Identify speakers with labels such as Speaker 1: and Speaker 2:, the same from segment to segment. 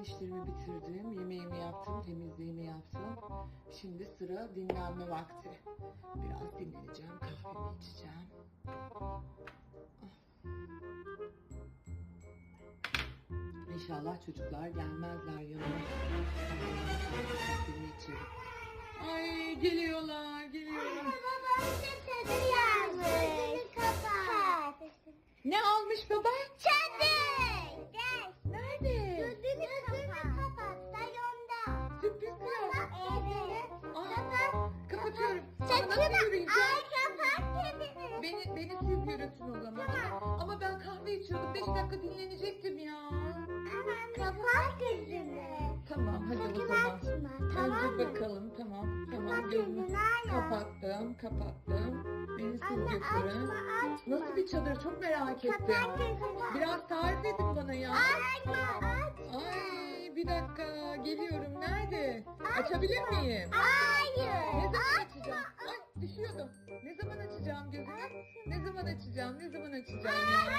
Speaker 1: işlerimi bitirdim. Yemeğimi yaptım, temizliğimi yaptım. Şimdi sıra dinlenme vakti. Biraz dinleneceğim, kahvemi içeceğim. İnşallah çocuklar gelmezler yanıma. Kahvemi içerim. Ay geliyorlar, geliyorlar. Ne almış baba?
Speaker 2: Çadır. Gel.
Speaker 1: Nerede?
Speaker 2: Gözünü kapat. Salonda.
Speaker 1: Sürpriz mi?
Speaker 2: Evet.
Speaker 1: Aa, kapatıyorum. Ama
Speaker 2: Saçını
Speaker 1: nasıl yürüyeceğim?
Speaker 2: kapat kedini.
Speaker 1: Beni siz yürütün o zaman.
Speaker 2: Tamam.
Speaker 1: Ama ben kahve içiyordum. 5 dakika dinlenecektim ya.
Speaker 2: Aman kapat gözünü.
Speaker 1: Tamam hadi o
Speaker 2: Sakın
Speaker 1: zaman.
Speaker 2: açma, tamam
Speaker 1: Önce
Speaker 2: mı?
Speaker 1: bakalım. Tamam.
Speaker 2: Kapat
Speaker 1: Gözümü
Speaker 2: gözünü, hala.
Speaker 1: kapattım. Beni siz
Speaker 2: Anne
Speaker 1: götürün.
Speaker 2: açma.
Speaker 1: Nasıl bir çadır çok merak ettim.
Speaker 2: Kapat gözünü.
Speaker 1: Biraz tarif edin bana ya.
Speaker 2: Açma.
Speaker 1: Ay bir dakika geliyorum. Nerede? Açabilir miyim?
Speaker 2: Hayır.
Speaker 1: Ne zaman açacağım? Ay düşüyordum. Ne zaman açacağım gözümü? Ne zaman açacağım? Ne zaman açacağım ya?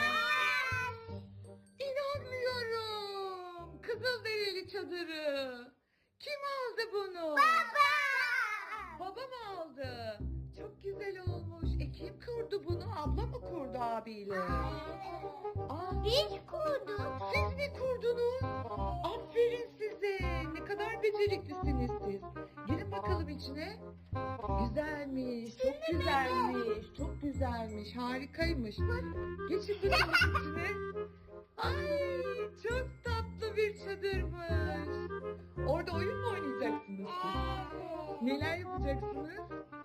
Speaker 1: İnanmıyorum. Kızılderili çadırı. Kim aldı bunu?
Speaker 2: Baba.
Speaker 1: Baba mı aldı? Çok güzel olmuş. Kim kurdu bunu? Abla mı kurdu abiyle? Aa,
Speaker 2: Biz kurduk.
Speaker 1: siz mi kurdunuz? Aferin size. Ne kadar beceriklisiniz siz. Girin bakalım içine. Güzelmiş. Çok güzelmiş. Çok güzelmiş. Harikaymış. Geçin bakalım içine. Ay çok tatlı bir çadırmış. Orada oyun mu oynayacaksınız siz? Neler yapacaksınız?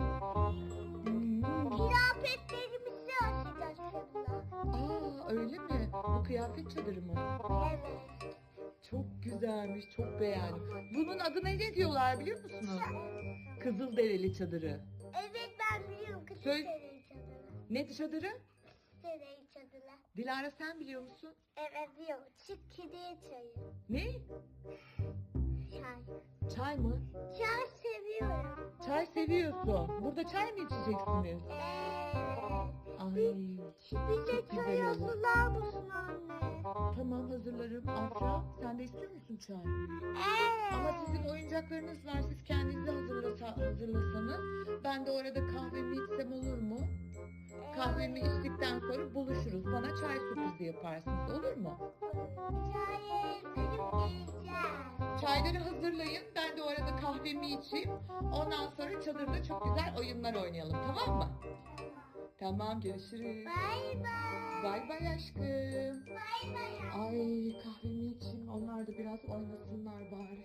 Speaker 2: Kıyafetlerimizi asacağız çadıra.
Speaker 1: Aa öyle mi? Bu kıyafet çadırı mı?
Speaker 2: Evet.
Speaker 1: Çok güzelmiş, çok beğendim. Bunun adına ne diyorlar biliyor musunuz? Kızılderili çadırı.
Speaker 2: Evet ben biliyorum. Kızıl
Speaker 1: Söyle-
Speaker 2: Dereyi çadırı.
Speaker 1: Ne çadırı?
Speaker 2: Dereyi çadırı.
Speaker 1: Dilara sen biliyor musun?
Speaker 2: Evet biliyorum. Çık kediye çayı.
Speaker 1: Ne?
Speaker 2: Çay.
Speaker 1: Çay mı?
Speaker 2: Çay seviyorum.
Speaker 1: Çay seviyorsun. Burada çay mı içeceksiniz?
Speaker 2: Evet.
Speaker 1: Ay
Speaker 2: Bize
Speaker 1: çok
Speaker 2: çay
Speaker 1: güzel olur.
Speaker 2: hazırlar mısın anne?
Speaker 1: Tamam hazırlarım. Afra sen de istiyor musun çay?
Speaker 2: Evet.
Speaker 1: Ama sizin oyuncaklarınız var. Siz kendinize hazırlasanız. Ben de orada kahvemi içsem olur mu? Kahvemi içtikten sonra buluşuruz. Bana çay sürprizi yaparsınız. Olur mu?
Speaker 2: Çayı verip geleceğiz.
Speaker 1: Çayları hazırlayın. Ben de orada kahvemi içeyim. Ondan sonra çadırda çok güzel oyunlar oynayalım. Tamam mı? Tamam görüşürüz.
Speaker 2: Bay bay.
Speaker 1: Bay bay aşkım.
Speaker 2: Bay bay.
Speaker 1: Ay kahvemi içeyim. Onlar da biraz oynasınlar bari.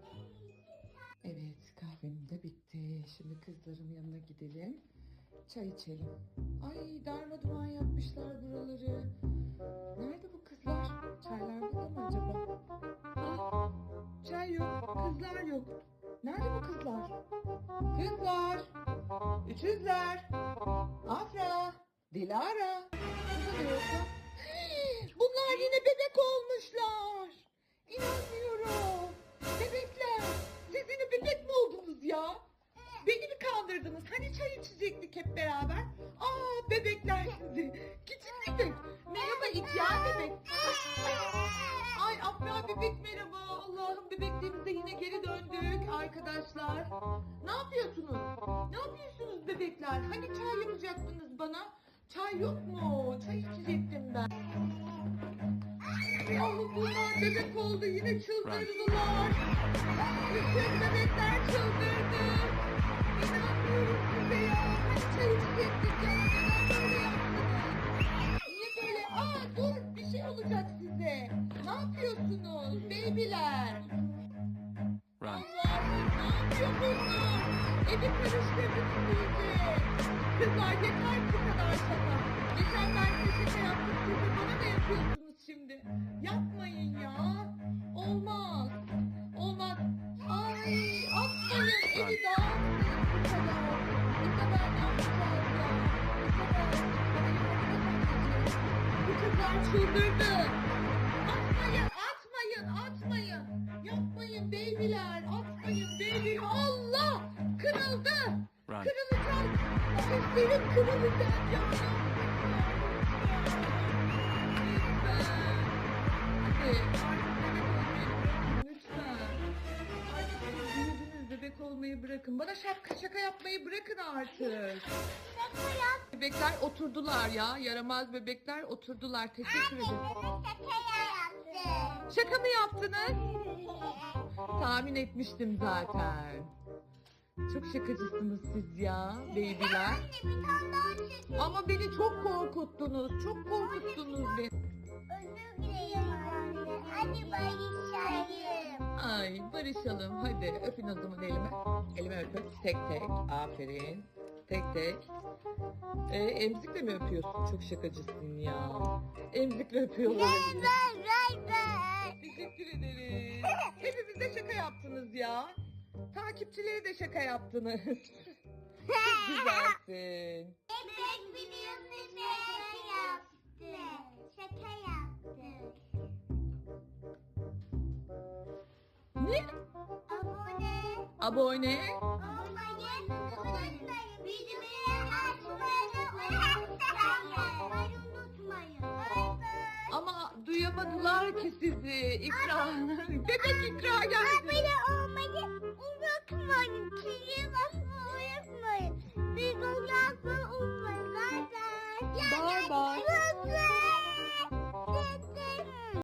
Speaker 1: Evet kahvem de bitti. Şimdi kızların yanına gidelim. Çay içelim. Ay darmadağın yapmışlar buraları. Nerede bu kızlar? Çaylar burada mı acaba? Ah, çay yok. Kızlar yok. Nerede bu kızlar? Kızlar. Üçüzler. Afra. Dilara. Burada da yoksa. Bunlar yine bebek olmuşlar. İnanmıyorum. Bebekler. Siz yine bebek mi oldunuz ya? Beni mi kandırdınız? Hani çay içecektik hep beraber? Aa bebekler sizi. Küçük bebek. Merhaba ihtiyar bebek. Ay Afra bebek merhaba. Allah'ım bebekliğimize yine geri döndük arkadaşlar. Ne yapıyorsunuz? Ne yapıyorsunuz bebekler? Hani çay yapacaktınız bana? Çay yok mu? Çay içecektim ben. Allah'ım bunlar bebek oldu. Yine çıldırdılar. Bütün bebekler çıldırdı. İnanmıyorum size ya. Hani çay içecektik ya. Neden böyle yaptınız? Niye böyle? Aa dur bir şey olacak size. Ne yapıyorsunuz babyler?
Speaker 3: Run.
Speaker 1: Allah'ım ne yapıyor bunlar? Evi karıştırdınız iyice. Kızlar yeter bu kadar şaka. Geçen ben size şaka yaptım. Siz de bana da yapıyorsunuz şimdi. Yapmayın ya. Olmaz. Olmaz. Ay atmayın. Evi dağıtmayın bu kadar. Bu kadar ne yapacağız ya? Bu kadar. Bana yardım edin. Bu kızlar çıldırdı. Atmayın, atmayın, atmayın. Yapmayın babyler, atmayın baby. Allah! Kırıldı.
Speaker 3: Run.
Speaker 1: Kırılacak. Seslerim kırılacak ya. Hadi artık bebek olmayı bırakın olmayı bırakın. Bana şaka yapmayı bırakın artık.
Speaker 2: Şaka yap.
Speaker 1: Bebekler oturdular ya. Yaramaz bebekler oturdular. Teşekkür ederim.
Speaker 2: Şaka yaptım.
Speaker 1: Şaka mı yaptınız? Tahmin etmiştim zaten. Çok şakacısınız siz ya babyler.
Speaker 2: Anne bir tane daha çekin.
Speaker 1: Ama beni çok korkuttunuz. Çok korkuttunuz beni.
Speaker 2: Özür dilerim anne. Hadi barışalım.
Speaker 1: Ay barışalım. Hadi öpün o zaman elime. Elime öpün. Tek tek. Aferin. Tek tek. Emzikle mi öpüyorsun? Çok şakacısın ya. Emzikle öpüyorlar. Teşekkür ederiz. Hepimiz de şaka yaptınız ya. Takipçileri de şaka yaptınız. Çok güzelsin.
Speaker 2: Bebek videosu şaka yaptı. Şaka yaptı.
Speaker 1: Ne?
Speaker 2: Abone
Speaker 1: Abone.
Speaker 2: olmayı unutmayın. Bildirimleri açmayı unutmayın. Bay bay.
Speaker 1: Ama duyamadılar ki sizi. İkra. Bebek ikra geldi.
Speaker 2: Abone olmayı